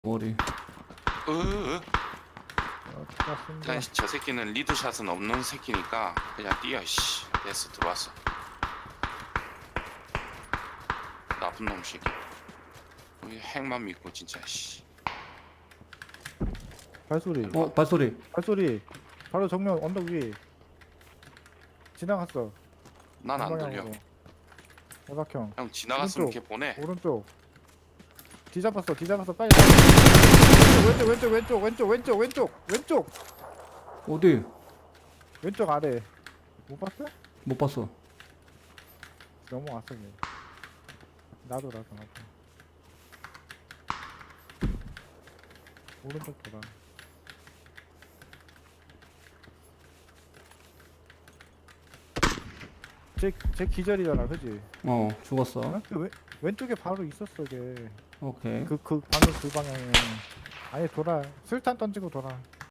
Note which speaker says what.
Speaker 1: 머리.
Speaker 2: 자, 저 새끼는 리드샷은 없는 새끼니까 그냥 뛰어. 씨, 됐어, 들어왔어. 나쁜 놈 새끼. 우리 핵만 믿고 진짜. 씨.
Speaker 3: 발소리.
Speaker 1: 발소리.
Speaker 3: 발소리. 바로 정면 언덕 위에 지나갔어.
Speaker 2: 난 안 들려.
Speaker 3: 대박형.
Speaker 2: 형 지나갔으면
Speaker 3: 오른쪽.
Speaker 2: 걔 보내.
Speaker 3: 오른쪽. 뒤잡았어. 빨리. 왼쪽.
Speaker 1: 어디?
Speaker 3: 왼쪽 아래. 못 봤어?
Speaker 1: 못 봤어.
Speaker 3: 넘어왔어. 걔. 나도. 오른쪽 보라. 쟤 기절이잖아, 그지?
Speaker 1: 죽었어.
Speaker 3: 어? 왼쪽에 바로 있었어, 걔.
Speaker 1: 오케이.
Speaker 3: 방금 그 방향에. 아예 돌아. 술탄 던지고 돌아.